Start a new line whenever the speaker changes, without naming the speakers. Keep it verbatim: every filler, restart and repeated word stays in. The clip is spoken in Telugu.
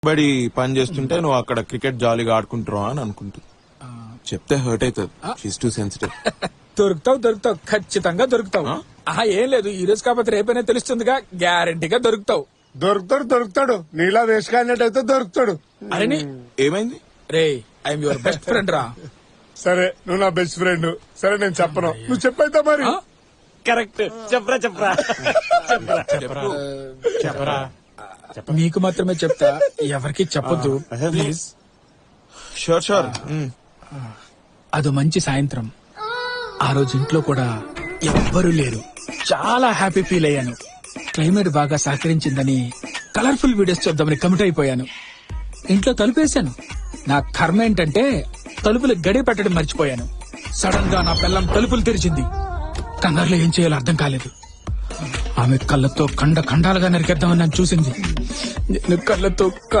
బడి పని చేస్తుంటే నువ్వు అక్కడ క్రికెట్ జాలీగా ఆడుకుంటున్నావు అని అనుకుంటుంది. చెప్తే హర్ట్ అవుతుంది. She's too sensitive.
దొరుకుతావు దొరుకుతావు ఖచ్చితంగా దొరుకుతావు. ఆహా ఏం లేదు ఈ రోజు కాకపోతే రేపైనా తెలుస్తుందిగా, గ్యారంటీగా దొరుకుతావు.
దొరుకుతాడు దొరుకుతాడు నీలా వేసుకాడినట్టయితే దొరుకుతాడు.
అరే
ఏమైంది?
రే ఐఎమ్ యువర్ బెస్ట్ ఫ్రెండ్ రా.
సరే నువ్వు నా బెస్ట్ ఫ్రెండ్. సరే నేను చెప్పను, నువ్వు చెప్పైతే మరి.
ఆ?
కరెక్ట్. చెప్పరా చెప్పరా చెప్పరా
మీకు మాత్రమే చెప్తా, ఎవరికి చెప్పొద్దు ప్లీజ్.
Sure sure.
అదో మంచి సాయంత్రం. ఆ రోజు ఇంట్లో కూడా ఎవ్వరూ లేరు. చాలా హ్యాపీ ఫీల్ అయ్యాను. క్లైమేట్ బాగా సహకరించిందని కలర్ఫుల్ వీడియోస్ చూద్దామని కమిట్ అయిపోయాను. ఇంట్లో తలుపేశాను. నా కర్మ ఏంటంటే తలుపులు గడి పెట్టడం మర్చిపోయాను. సడన్ గా నా పిల్లం తలుపులు తెరిచింది. కంగారులో ఏం చేయాలో అర్థం కాలేదు. ఆమె కళ్ళతో కండ ఖండాలుగా నరికేద్దామని నన్ను చూసింది. నేను కళ్ళతో